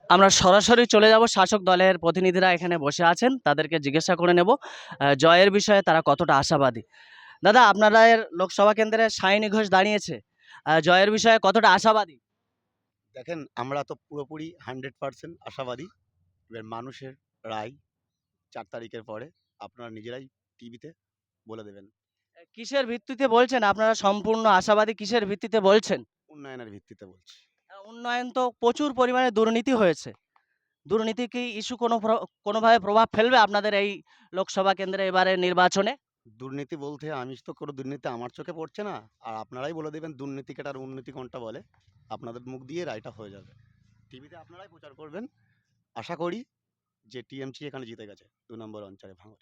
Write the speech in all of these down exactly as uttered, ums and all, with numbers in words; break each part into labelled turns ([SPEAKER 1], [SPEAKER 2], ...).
[SPEAKER 1] আমরা সরাসরি চলে যাব শাসক দলের প্রতিনিধিরা এখানে বসে আছেন, তাদেরকে জিজ্ঞাসা করে নেব আহ, জয়ের বিষয়ে তারা কতটা আশাবাদী। দাদা, আপনাদের লোকসভা কেন্দ্রে সায়নী ঘোষ দাঁড়িয়েছে, আহ, জয়ের বিষয়ে কতটা আশাবাদী?
[SPEAKER 2] দেখেন, আমরা তো পুরোপুরি হান্ড্রেড পার্সেন্ট আশাবাদী। এবার মানুষের রায় চার তারিখের পরে আপনারা নিজেরাই টিভিতে বলে দেবেন।
[SPEAKER 1] আহ, কিসের ভিত্তিতে বলছেন আপনারা সম্পূর্ণ আশাবাদী? কিসের ভিত্তিতে বলছেন?
[SPEAKER 2] উন্নয়নের ভিত্তিতে বলছি।
[SPEAKER 1] আহ, উন্নয়ন তো প্রচুর পরিমাণে দুর্নীতি হয়েছে। দুর্নীতি কি ইস্যু কোনো প্র- কোনোভাবে প্রভাব ফেলবে আপনাদের এই লোকসভা কেন্দ্রে এবারে নির্বাচনে?
[SPEAKER 2] দুর্নীতি বলতে আমি তো কোনো দুর্নীতি আমার চোখে পড়ছে না, আর আপনারাই বলে দেবেন দুর্নীতি কেটার উন্নতি কোনটা বলে। আপনাদের মুখ দিয়ে রায়টা হয়ে যাবে, টিভিতে আপনারাই প্রচার করবেন। আশা করি যে টিএমসি এখানে জিতে গেছে দু নম্বর অঞ্চলে ভাঙড়ে।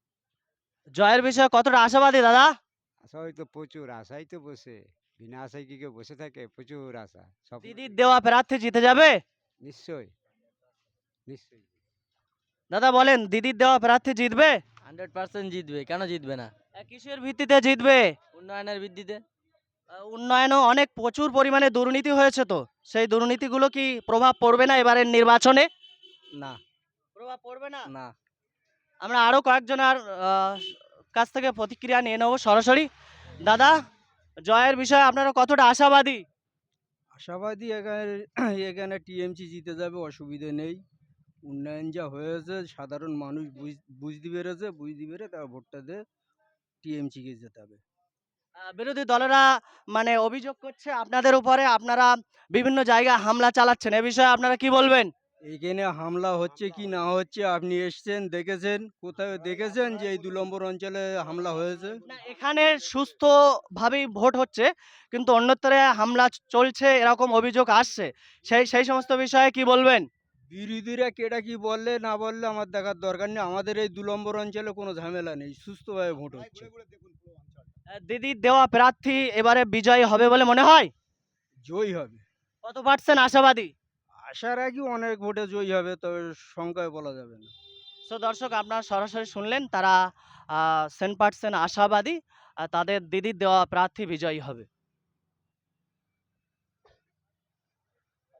[SPEAKER 1] জয়ের বিষয়ে কতটা আশাবাদী দাদা?
[SPEAKER 3] আশাই তো প্রচুর, আশাই তো বসে। বিনা আশায় কি কেউ বসে থাকে? প্রচুর আশা সব।
[SPEAKER 1] দিদির দেওয়া প্রার্থী জিতে যাবে?
[SPEAKER 3] নিশ্চয়ই, নিশ্চয়ই।
[SPEAKER 1] দাদা বলেন, দিদির দেওয়া প্রার্থী জিতবে?
[SPEAKER 4] হান্ড্রেড পার্সেন্ট জিতবে, কেন জিতবে না?
[SPEAKER 1] আহ, কিসের ভিত্তিতে জিতবে?
[SPEAKER 4] উন্নয়নের ভিত্তিতে।
[SPEAKER 1] আহ, উন্নয়নও অনেক প্রচুর পরিমাণে দুর্নীতি হয়েছে, তো সেই দুর্নীতিগুলো কি প্রভাব পড়বে না এবারের নির্বাচনে?
[SPEAKER 4] না।
[SPEAKER 1] প্রভাব পড়বে না।
[SPEAKER 4] না।
[SPEAKER 1] আমরা আরো কয়েকজনের আহ, কাছ থেকে প্রতিক্রিয়া নিয়ে নেবো সরাসরি। দাদা, জয়ের বিষয়ে আপনারা কতটা আশাবাদী?
[SPEAKER 5] আশাবাদী এখানে এখানে টিএমসি জিতে যাবে, অসুবিধে নেই। উন্নয়ন যা হয়েছে সাধারণ মানুষ বুঝ- বুঝতে পেরেছে, বুঝতে পেরে তারা ভোটটা দিয়ে টিএমসিকে জেতাবে।
[SPEAKER 1] আহ, বিরোধী দলেরা মানে অভিযোগ করছে আপনাদের উপরে, আপনারা বিভিন্ন জায়গায় হামলা চালাচ্ছেন, এ বিষয়ে আপনারা কি বলবেন?
[SPEAKER 5] এখানে হামলা হচ্ছে কি না হচ্ছে আপনি এসছেন, দেখেছেন? কোথায় দেখেছেন যে এই দু নম্বর অঞ্চলে হামলা হয়েছে?
[SPEAKER 1] না, এখানে সুস্থ ভাবেই ভোট হচ্ছে, কিন্তু অন্যত্রে হামলা চলছে এরকম অভিযোগ আসছে, সেই সেই সমস্ত বিষয়ে কি বলবেন?
[SPEAKER 5] বিরোধীরা কেটা কি বললে না বললে আমার দেখার দরকার নেই। আমাদের এই দু নম্বর অঞ্চলে কোনো ঝামেলা নেই, সুস্থভাবে ভোট হচ্ছে।
[SPEAKER 1] আহ, দিদির দেওয়া প্রার্থী এবারে বিজয়ী হবে বলে মনে হয়?
[SPEAKER 5] জয়ী হবে।
[SPEAKER 1] কত পার্সেন্ট আশাবাদী?
[SPEAKER 5] আশার আগে অনেক ভোটে জয়ী হবে, তবে সংখ্যায় বলা যাবে না।
[SPEAKER 1] সো দর্শক, আপনারা সরাসরি শুনলেন, তারা সেন্ট পার্সেন্ট আশাবাদী, আহ, তাদের দিদির দেওয়া প্রার্থী বিজয়ী হবে।